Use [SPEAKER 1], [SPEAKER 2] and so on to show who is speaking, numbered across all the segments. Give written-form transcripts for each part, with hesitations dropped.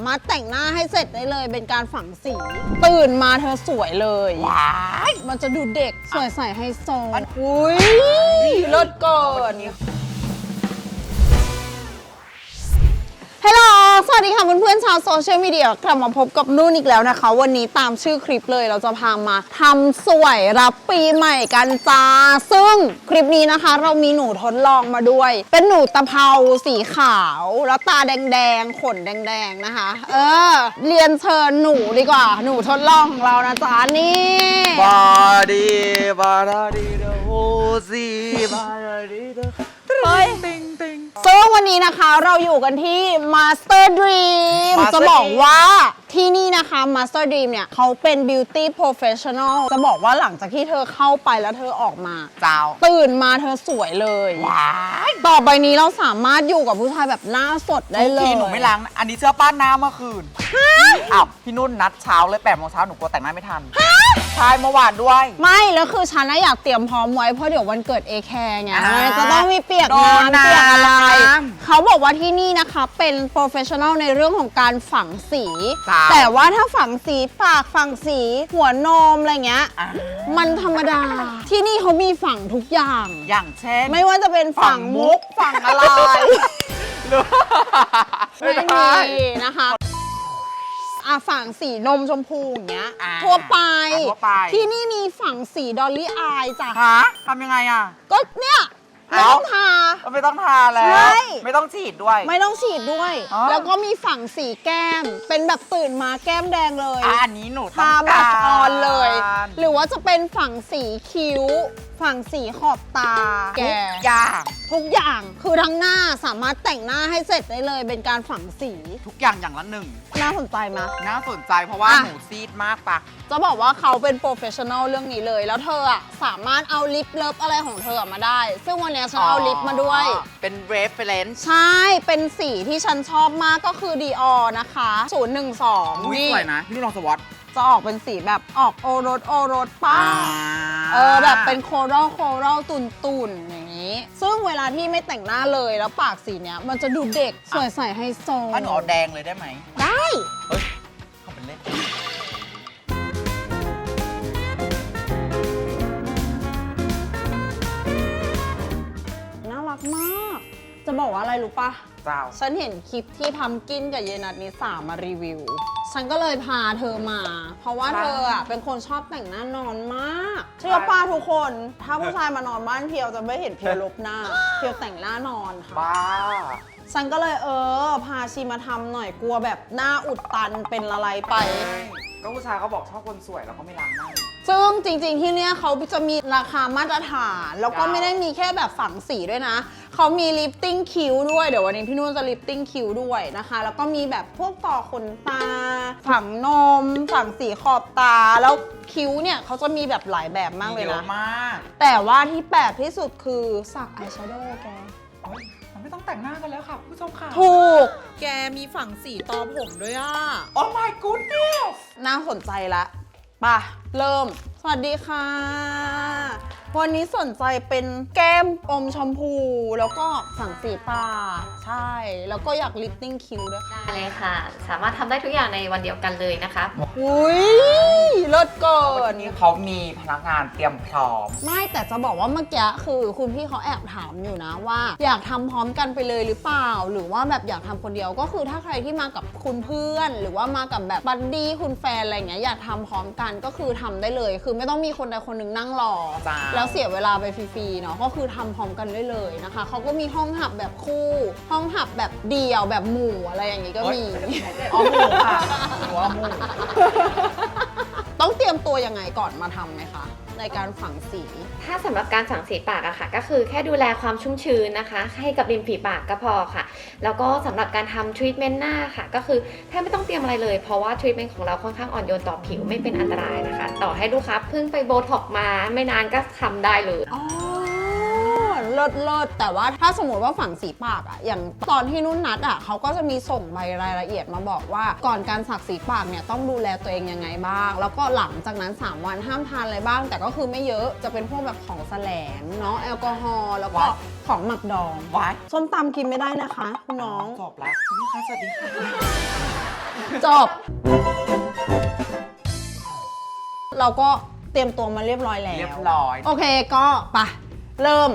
[SPEAKER 1] ามารถแต่งหน้าให้เสร็จได้เลยเป็นการฝังสีตื่นมาเธอสวยเลยว้ายมันจะดูเด็กสวยใสไฮโซอุ้ยเลิศเกินฮัลโหลสวัสดีค่ะเพื่อนๆชาวโซเชียลมีเดียกลับมาพบกับนุ่นอีกแล้วนะคะวันนี้ตามชื่อคลิปเลยเราจะพามาทำสวยรับปีใหม่กันจ้าซึ่งคลิปนี้นะคะเรามีหนูทดลองมาด้วยเป็นหนูตะเภาสีขาวแล้วตาแดงๆขนแดงๆนะคะเรียนเชิญหนูดีกว่าหนูทดลองของเรานะจ๊ะนี่
[SPEAKER 2] บาดีบาดีเดโฮซีบาดีเด
[SPEAKER 1] เฮ้ยซึ่งวันนี้นะคะเราอยู่กันที่ Master Dream จะบอกว่าที่นี่นะคะ Master Dream เนี่ยเขาเป็น Beauty Professional จะบอกว่าหลังจากที่เธอเข้าไปแล้วเธอออกมาตื่นมาเธอสวยเลยต่อไปนี้เราสามารถอยู่กับผู้ชายแบบหน้าสดได้เลย
[SPEAKER 2] พี่หนูไม่ล้างอันนี้เสื้อป้านน้ำเมื่อคืนอ้าวพี่นุ่นนัดเช้าเลย8 โมงเช้าหนูกลัวแต่งหน้าไม่ทันใช่เมื่อวานด้วย
[SPEAKER 1] ไม่แล้วคือฉันอยากเตรียมพร้อมไว้เพราะเดี๋ยววันเกิดเอแคร์ไงจะต้องมีเปียกน้ำเปียกอะไรเขาบอกว่าที่นี่นะคะเป็นโปรเฟชชั่นอลในเรื่องของการฝังสีแต่ว่าถ้าฝังสีปากฝังสีหัวนมอะไรเงี้ยมันธรรมดาที่นี่เขามีฝังทุกอย่าง
[SPEAKER 2] อย่างเช่น
[SPEAKER 1] ไม่ว่าจะเป็นฝังมุกฝังอะไรไม่มีนะคะฝังสีนมชมพูอย่างเงี้ยทั่วไปที่นี่มีฝังสีดอลลี่อายจ้ะ
[SPEAKER 2] ทำยังไงอ่ะ
[SPEAKER 1] ก็เนี่ยไม่ต้องทา
[SPEAKER 2] ไม่ต้องทาแล้วไม่ต้องฉีดด้วย
[SPEAKER 1] ไม่ต้องฉีดด้วยแล้วก็มีฝังสีแก้มเป็นแบบตื่นมาแก้มแดงเลย
[SPEAKER 2] อันนี้หนู
[SPEAKER 1] ทาแบบออนเลยหรือว่าจะเป็นฝังสีคิ้วฝังสีขอบตา
[SPEAKER 2] ทุก
[SPEAKER 1] อย่างคือทั้งหน้าสามารถแต่งหน้าให้เสร็จได้เลยเป็นการฝังสี
[SPEAKER 2] ทุกอย่างอย่างละหนึ่ง
[SPEAKER 1] น่าสนใจไหม
[SPEAKER 2] น่าสนใจเพราะว่าหนูซีดมากปะ
[SPEAKER 1] จะบอกว่าเขาเป็นโปรเฟชชั่นอลเรื่องนี้เลยแล้วเธอสามารถเอาลิปเลิฟอะไรของเธอมาได้ซึ่งวันนี้ฉันเอาลิปมาด้วย
[SPEAKER 2] เป็น reference
[SPEAKER 1] ใช่เป็นสีที่ฉันชอบมากก็คือ Dior นะคะ012
[SPEAKER 2] นี่สวยนะพี่ลองสวอต
[SPEAKER 1] จะออกเป็นสีแบบออกโอรสป้าแบบเป็นโครัลตุ่นอย่างนี้ซึ่งเวลาที่ไม่แต่งหน้าเลยแล้วปากสีเนี้ยมันจะดูเด็กสวยใสไฮโซ
[SPEAKER 2] ถ้าหนูเอาแดงเลยได้ไหม
[SPEAKER 1] ได้
[SPEAKER 2] เฮ้ยเขาเป็นเล่น
[SPEAKER 1] น่ารักมากจะบอกว่าอะไรรู้ปะฉันเห็นคลิปที่พัมกินกับเยนัทนิสามารีวิวฉันก็เลยพาเธอมาเพราะว่าเธอเป็นคนชอบแต่งหน้านอนมากเชื่อป้าทุกคนถ้าผู้ชายมานอนบ้านเพียวจะไม่เห็นเพียวลบหน้าเพียวแต่งหน้านอนค่ะ
[SPEAKER 2] บ้า
[SPEAKER 1] ฉันก็เลยพาชีมาทำหน่อยกลัวแบบหน้าอุดตันเป็นอะไรไป
[SPEAKER 2] ก็ผู้ชายเขาบอกชอบคนสวยแล้วก็ไม่ล้างหน้า
[SPEAKER 1] ซึ่งจริงๆที่เนี้ยเขาจะมีราคามาตรฐานแล้วก็ไม่ได้มีแค่แบบฝังสีด้วยนะเขามีลิฟติ้งคิ้วด้วยเดี๋ยววันนี้พี่นุ่นจะลิฟติ้งคิ้วด้วยนะคะแล้วก็มีแบบพวกต่อขนตาฝังนมฝังสีขอบตาแล้วคิ้วเนี่ยเขาจะมีแบบหลายแบบมากเลยนะแต่ว่าที่แปลกที่สุดคือสักอายแชโดว์แก
[SPEAKER 2] ไม่ต้องแต่งหน้ากันแล้วค่ะผู้ชมค่ะ
[SPEAKER 1] ถูกแกมีฝังสีตอผมด้วย
[SPEAKER 2] โอ้ my goodness
[SPEAKER 1] น่าสนใจละป่ะเริ่มสวัสดีค่ะวันนี้สนใจเป็นแก้มอมชมพูแล้วก็ฝังสีตาใช่แล้วก็อยากลิฟติ้งคิ้วด้วยค่ะ
[SPEAKER 3] ได้เลยค่ะสามารถทำได้ทุกอย่างในวันเดียวกันเลยนะคะ
[SPEAKER 1] อุ้ยเลิศเกิน
[SPEAKER 2] นี้เขามีพนักงานเตรียมพร้อม
[SPEAKER 1] ไม่แต่จะบอกว่าเมื่อกี้คือคุณพี่เขาแอบถามอยู่นะว่าอยากทำพร้อมกันไปเลยหรือเปล่าหรือว่าแบบอยากทำคนเดียวก็คือถ้าใครที่มากับคุณเพื่อนหรือว่ามากับแบบบัดดี้คุณแฟนอะไรเงี้ยอยากทำพร้อมกันก็คือทำได้เลยคือไม่ต้องมีคนใดคนหนึ่งนั่งรอแล้วเสียเวลาไปฟรีๆเนาะก็คือทำพร้อมกันได้เลยนะคะเขาก็มีห้องหับแบบคู่ห้องหับแบบเดี่ยวแบบหมู่อะไรอย่างงี้ก็มี
[SPEAKER 2] อ๋อหมู่ค่ะหัวหมู่
[SPEAKER 1] ต้องเตรียมตัวยังไงก่อนมาทำไหมคะในการฝังสี
[SPEAKER 3] ถ้าสำหรับการฝังสีปากอะค่ะก็คือแค่ดูแลความชุ่มชื้นนะคะให้กับริมฝีปากก็พอค่ะแล้วก็สำหรับการทำทรีทเมนต์หน้าค่ะก็คือแทบไม่ต้องเตรียมอะไรเลยเพราะว่าทรีทเมนต์ของเราค่อนข้างอ่อนโยนต่อผิวไม่เป็นอันตรายนะคะต่อให้ลูกค้าเพิ่งไปโบท็อกมาไม่นานก็ทำได้เลย
[SPEAKER 1] เลิศแต่ว่าถ้าสมมติว่าฝังสีปากอะอย่างตอนที่นุ่นนัดอะเขาก็จะมีส่งใบรายละเอียดมาบอกว่าก่อนการสักสีปากเนี่ยต้องดูแลตัวเองยังไงบ้างแล้วก็หลังจากนั้น3 วันห้ามทานอะไรบ้างแต่ก็คือไม่เยอะจะเป็นพวกแบบของแสลงเนาะแอลกอฮอล์แล้วก็ของหมักดองส้มตำกินไม่ได้นะคะคุณน้อง
[SPEAKER 2] จบแล้วสวัสดีค่ะ
[SPEAKER 1] จบ เราก็เตรียมตัวมาเรียบร้อยแล้ว
[SPEAKER 2] เรียบร้อย
[SPEAKER 1] โอเคก็ไปเริ่ม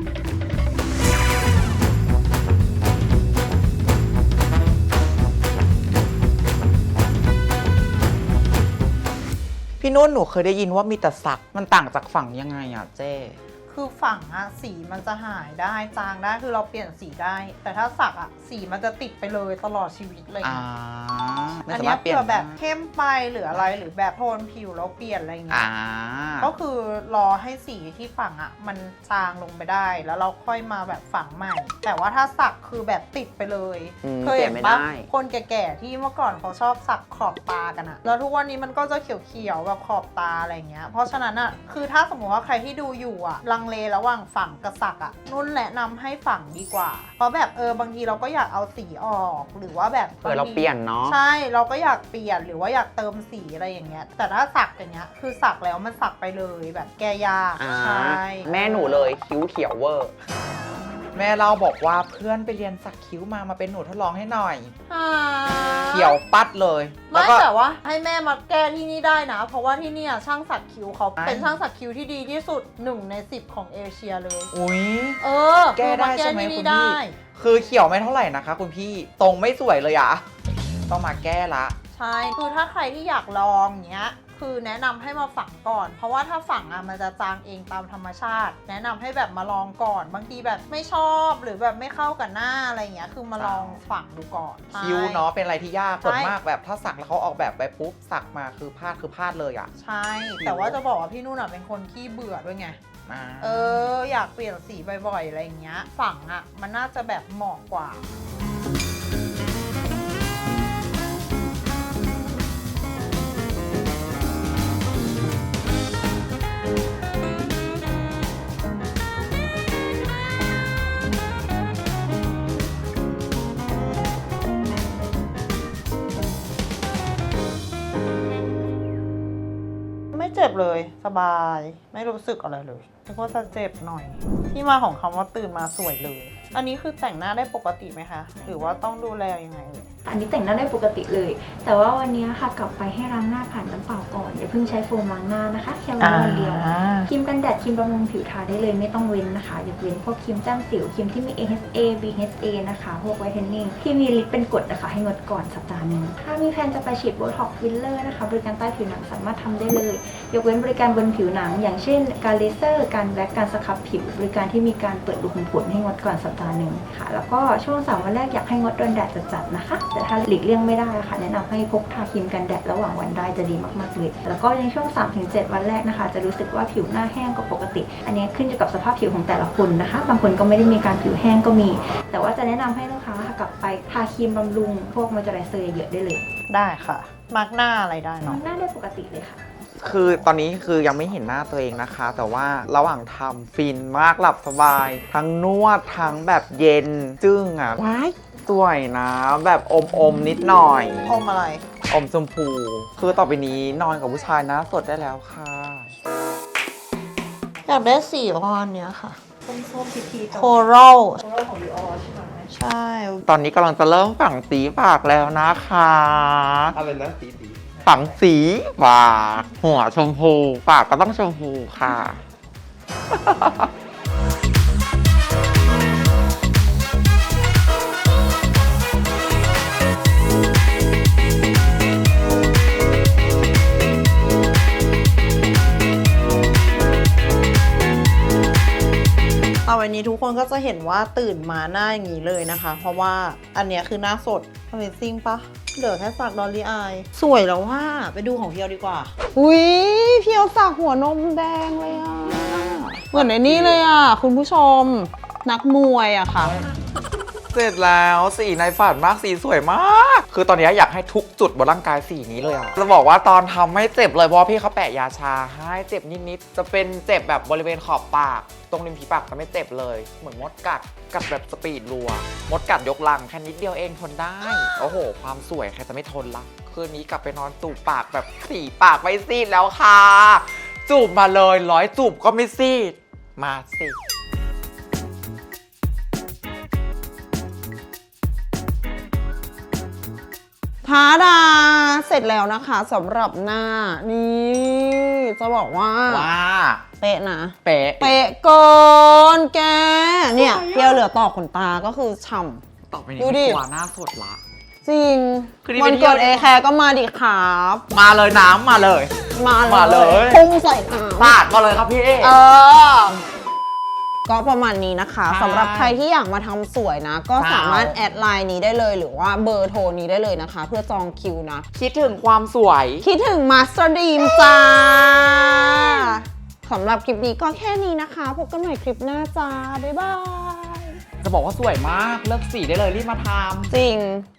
[SPEAKER 2] พี่นุ่นหนูเคยได้ยินว่ามีแต่สักมันต่างจากฝั่งยังไงอ่ะเจ๊
[SPEAKER 4] คือฝั่งอะสีมันจะหายได้จางได้คือเราเปลี่ยนสีได้ แต่ถ้าสักอะสีมันจะติดไปเลยตลอดชีวิตเลย
[SPEAKER 2] ไม่
[SPEAKER 4] อัน
[SPEAKER 2] สา
[SPEAKER 4] เนี้
[SPEAKER 2] มาย รถเปลี่ย
[SPEAKER 4] เผื่
[SPEAKER 2] น
[SPEAKER 4] อแบบเข้มไปหรืออะไรหรือแบบโทนผิวแล้วเปลี่ยนอะไรเงี้
[SPEAKER 2] อ่าย
[SPEAKER 4] ก็คือรอให้สีที่ฝังอะมันจางลงไปได้ แล้วเราค่อยมาแบบฝังใหม่ แต่ว่าถ้าสักคือแบบติดไปเลย เคยเห็นปะคนแก่ๆที่เมื่อก่อนเขาชอบสักขอบตากันอะแล้วทุกวันนี้มันก็จะเขียวๆแบบขอบตาอะไรเงี้ยเพราะฉะนั้นอะคือถ้าสมมติว่าใครที่ดูอยู่อะลังเลระหว่างฝังกับสักอะนุ่นแนะนำให้ฝังดีกว่า เพราะแบบบางทีเราก็อยากเอาสีออกหรือว่าแบบ
[SPEAKER 2] เราเปลี่ยนเนาะ
[SPEAKER 4] ใช่เราก็อยากเปลี่ยนหรือว่าอยากเติมสีอะไรอย่างเงี้ยแต่ถ้าสักอย่างเงี้ยคือสักแล้วมันสักไปเลยแบบแก้ยากใช่
[SPEAKER 2] แม่หนูเลยคิ้วเขียวเวอร์ แม่เราบอกว่าเพื่อนไปเรียนสักคิ้วมาเป็นหนูทดลองให้หน่อย เขียวปัดเลยแล้ว
[SPEAKER 4] ไม่
[SPEAKER 2] ก็
[SPEAKER 4] แต่ว่าให้แม่มาแก้ที่นี่ได้นะ เพราะว่าที่เนี่ยช่างสักคิ้วเขา
[SPEAKER 2] อ่า
[SPEAKER 4] เป็นช่างสักคิ้วที่ดีที่สุด1 ใน 10ของเอเชียเลย
[SPEAKER 2] อุ้ย
[SPEAKER 4] แก้
[SPEAKER 2] แก้ได้
[SPEAKER 4] ได้
[SPEAKER 2] ใช่ไหม
[SPEAKER 4] ที่
[SPEAKER 2] คุ
[SPEAKER 4] นี่
[SPEAKER 2] ณพี่
[SPEAKER 4] ได้
[SPEAKER 2] คือเขียวไม่เท่าไหร่นะคะคุณพี่ตรงไม่สวยเลยอะต้องมาแก้ละ
[SPEAKER 4] ใช่คือถ้าใครที่อยากลองเงี้ยคือแนะนำให้มาฝังก่อน เพราะว่าถ้าฝังมันจะจางเองตามธรรมชาติ แนะนำให้แบบมาลองก่อน บางทีแบบไม่ชอบหรือแบบไม่เข้ากับหน้าอะไรเงี้ยคือมาลองฝังดูก่อน
[SPEAKER 2] คิ้วเนาะเป็นอะไรที่ยากส่วน
[SPEAKER 4] ใช่
[SPEAKER 2] มากแบบถ้าสักแล้วเขาออกแบบไปปุ๊บสักมาคือพลาดเลยอะ
[SPEAKER 4] ใช่ แต่ว่าจะบอกว่าพี่นุ่นเป็นคนขี้เบื่อด้วยไง
[SPEAKER 2] อ่า
[SPEAKER 4] อยากเปลี่ยนสีบ่อยๆอะไรอย่างเงี้ยฝังมันน่าจะแบบเหมาะกว่า ไม่เจ็บเลยสบายไม่รู้สึกอะไรเลยนึกว่าจะเจ็บหน่อย ที่มาของคำว่าตื่นมาสวยเลย อันนี้คือแต่งหน้าได้ปกติไหมคะ หรือว่าต้องดูแลยังไงเอ่ย
[SPEAKER 5] อันนี้แต่งหน้าได้ปกติเลย แต่ว่าวันนี้ค่ะกลับไปให้ล้างหน้าผ่านน้ำเปล่าก่อนอย่าเพิ่งใช้โฟมล้างหน้านะคะแค่ล้างวันเดียวครีมกันแดดครีมบำรุงผิวทาได้เลยไม่ต้องเว้นนะคะยกเว้นพวกครีมแต้มสิวครีมที่มี AHA BHA นะคะพวกไวท์เทนนิ่งที่มีฤทธิ์เป็นกรดนะคะให้งดก่อนสัปดาห์หนึงถ้ามีแผนจะไปฉีดโบท็อกซ์ฟิลเลอร์นะคะบริการใต้ผิวหนังสามารถทำได้เลย ยกเว้นบริการบนผิวหนัง อย่างเช่นการเลเซอร์การแบล็กการสครับผิวบริการที่มีการเปิดรูขุมขนให้งดก่อนสัปดาห์หนึ่งค่ะแล้วก็ช่วง3 วันแรกอยากให้งดโดนแดดจัดๆนะคะแต่ถ้าหลีกเลี่ยงไม่ได้ค่ะแนะนำให้พกทาครีมกันแดดระหว่างวันได้จะดีมากๆเลยแล้วก็ในช่วง 3-7 วันแรกนะคะจะรู้สึกว่าผิวหน้าแห้งกว่าปกติ อันนี้ขึ้นอยู่กับสภาพผิวของแต่ละคนนะคะบางคนก็ไม่ได้มีการผิวแห้งก็มี แต่ว่าจะแนะนำให้ลูกค้าค่ะกลับไปทาครีมบำรุงพวกมอยเจอไรเซอร์เยอะๆได้เลย
[SPEAKER 4] ได้ค่ะ มาร์กหน้าอะไรได้
[SPEAKER 5] มอ
[SPEAKER 4] เนาะ
[SPEAKER 5] งหน้าได้ปกติเลยค่ะ
[SPEAKER 2] คือตอนนี้คือยังไม่เห็นหน้าตัวเองนะคะ แต่ว่าระหว่างทำฟินมากหลับสบาย ทั้งนวดทั้งแบบเย็นจึ้งอ่ะว้ายสวยนะ แบบอมนิดหน่อย
[SPEAKER 4] อมอะไร
[SPEAKER 2] อมชมพู คือต่อไปนี้นอนกับผู้ชายหนะสดได้แล้วค่ะ
[SPEAKER 4] อยากได้สีออนเนี้ยค่ะ
[SPEAKER 5] ส้มๆพีๆ
[SPEAKER 4] โครัล
[SPEAKER 5] ของเราของดิออใช่ไหม
[SPEAKER 4] ใช่
[SPEAKER 2] ตอนนี้กำลังจะเริ่มฝังสีปากแล้วนะคะ
[SPEAKER 6] อะไรนะสี
[SPEAKER 2] ฝังสีปากหัวชมพู ปากก็ต้องชมพูค่ะ
[SPEAKER 4] ต่อไปนี้ทุกคนก็จะเห็นว่าตื่นมาหน้าอย่างนี้เลยนะคะ เพราะว่าอันเนี้ยคือหน้าสด Amazing ปะเหลือแค่สักดอลลี่อายสวยแล้วว่าไปดูของเพียวดีกว่า
[SPEAKER 1] อุ้ยเพียวสักหัวนมแดงเลยอ่ะ เหมือนในนี้เลยอ่ะ คุณผู้ชมนักมวยอะค่ะ
[SPEAKER 2] เสร็จแล้วสีในฝันมากสีสวยมาก คือตอนนี้อยากให้ทุกจุดบนร่างกายสีนี้เลยอ่ะจะบอกว่าตอนทำไม่เจ็บเลยเพราะว่าพี่เขาแปะยาชาให้เจ็บนิดๆจะเป็นเจ็บแบบบริเวณขอบปาก ตรงริมฝีปากจะไม่เจ็บเลย เหมือนมดกัดแบบสปีดรัว มดกัดยกลังแค่นิดเดียวเองทนได้ โอ้โห ความสวยใครจะไม่ทนละคืนนี้กลับไปนอนจูบปากแบบสีปากไม่ซีดแล้วค่ะ จูบมาเลย100จูบก็ไม่ซีดมาสิ ท
[SPEAKER 1] ทาดาเสร็จแล้วนะคะสำหรับหน้านี่จะบอกว่า
[SPEAKER 2] ว่า
[SPEAKER 1] เป๊ะนะ
[SPEAKER 2] เป๊ะ
[SPEAKER 1] เป๊ะเกินแกเนี่ยเพียวเหลือต่อขนตาก็คือฉ่ำ
[SPEAKER 2] ต่อไปนี้
[SPEAKER 1] ดูดิ
[SPEAKER 2] ตัวหน้าสดละ
[SPEAKER 1] จริง
[SPEAKER 2] คือนี่
[SPEAKER 1] วัน
[SPEAKER 2] เป็นเที่
[SPEAKER 1] เกิ
[SPEAKER 2] ยว
[SPEAKER 1] ดเอแคร์ก็มาดิครับ
[SPEAKER 2] มาเลยน้ำมาเลย
[SPEAKER 1] มา
[SPEAKER 2] มาเลย
[SPEAKER 1] พุ่งใส่น้ำ
[SPEAKER 2] ปาดมาเลยครับพี่
[SPEAKER 1] ก็ประมาณนี้นะคะ
[SPEAKER 2] ใช่
[SPEAKER 1] สำหรับใครที่อยากมาทำสวยนะ ก็สามารถแอดไลน์นี้ได้เลยหรือว่าเบอร์โทรนี้ได้เลยนะคะ เพื่อจองคิวนะ
[SPEAKER 2] คิดถึงความสวย
[SPEAKER 1] คิดถึงมาสเตอร์ดีมจ้าสำหรับคลิปนี้ก็แค่นี้นะคะพบกันใหม่คลิปหน้าจ้า บ๊ายบาย
[SPEAKER 2] จะบอกว่าสวยมาก เลือกสีได้เลยรีบมาทำ
[SPEAKER 1] จริง